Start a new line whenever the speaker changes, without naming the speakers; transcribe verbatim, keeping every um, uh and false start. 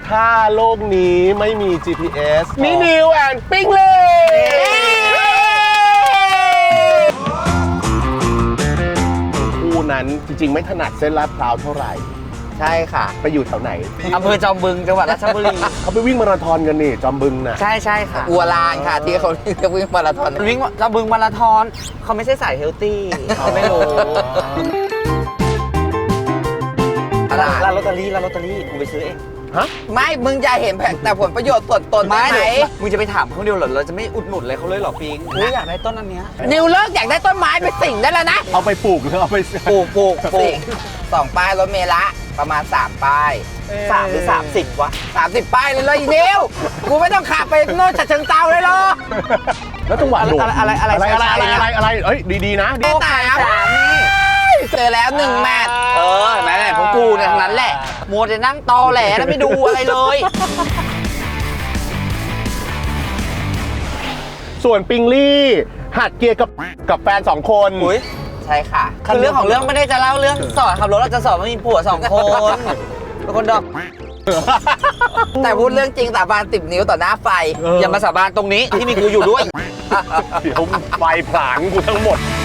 ถ้าโลกนี้ไม่มี จี พี เอส มีนิวแอนด์ปิ้งเลยคู่นั้นจริงๆไม่ถนัดเส้นลาดพร้าวเท่าไหร่
ใช่ค่ะ
ไปอยู่แถวไหน
อำเภอจอมบึงจังหวัดราชบุรี
เขาไปวิ่งมาราธอนกันนี่จอมบึงน่ะ
ใช่ใช่ค่ะ
อัวลานค่ะที่เขาเรียกวิ่งมาราธอน
วิ่งจอมบึงมาราธอนเขาไม่ใช่สายเฮลตี้ไม่รู้ร้านลอตเตอรี่ร้านลอตเตอรี่กูไปซื้อเอง
ฮะ
ไม่มึงจะเห็นแต่ผลประโยชน์ส่วนตนได้ไหม
มึงจะไปถามเขาเดียวเหรอเราจะไม่อุดหนุนเลยเขาเลยหรอปิงกูอยากได้ต้นอันเนี้ย
นิวเลิกอยากได้ต้นไม้ไปสิ่งได้แล้วนะ
เอาไปปลูกหรือเอาไป
ปลูกปลูกปลูก
สองป้ายรถเมล์ละประมาณสามป้าย
สามหรือสามสิบวะ
สามสิบป้ายเลยเลยนิวกูไม่ต้องขับไปโน่นฉะเชิงเทราเลยหรอ
แล้วจังหวะโดด
อะไรอะไรอะไร
อะไรอะไรอะไรอะไรเอ้ยดีๆนะ
ดีตายครับเจอแล้วหนึ่งแมตช์
เออแม่ไหนพวกกูเนี่ยทั้งนั้นแหละมัวแต่นั่งตอแหลแล้วไม่ดูอะไรเลย
ส่วนปิงลี่หัดเกียร์กับกับแฟนสองคน
อุ้ยใช่ค่ะ
คือเรื่องของเรื่องไม่ได้จะเล่าเรื่องสอนขับรถเราจะสอนว่ามีผัวสองคนเป็นคนดอก
แต่พูดเรื่องจริงสาบานสิบนิ้วต่อหน้าไฟ
อย่ามาสาบานตรงนี้ที่มีกูอยู่ด้วย
เดี๋ยวไฟผลาญกูทั้งหมด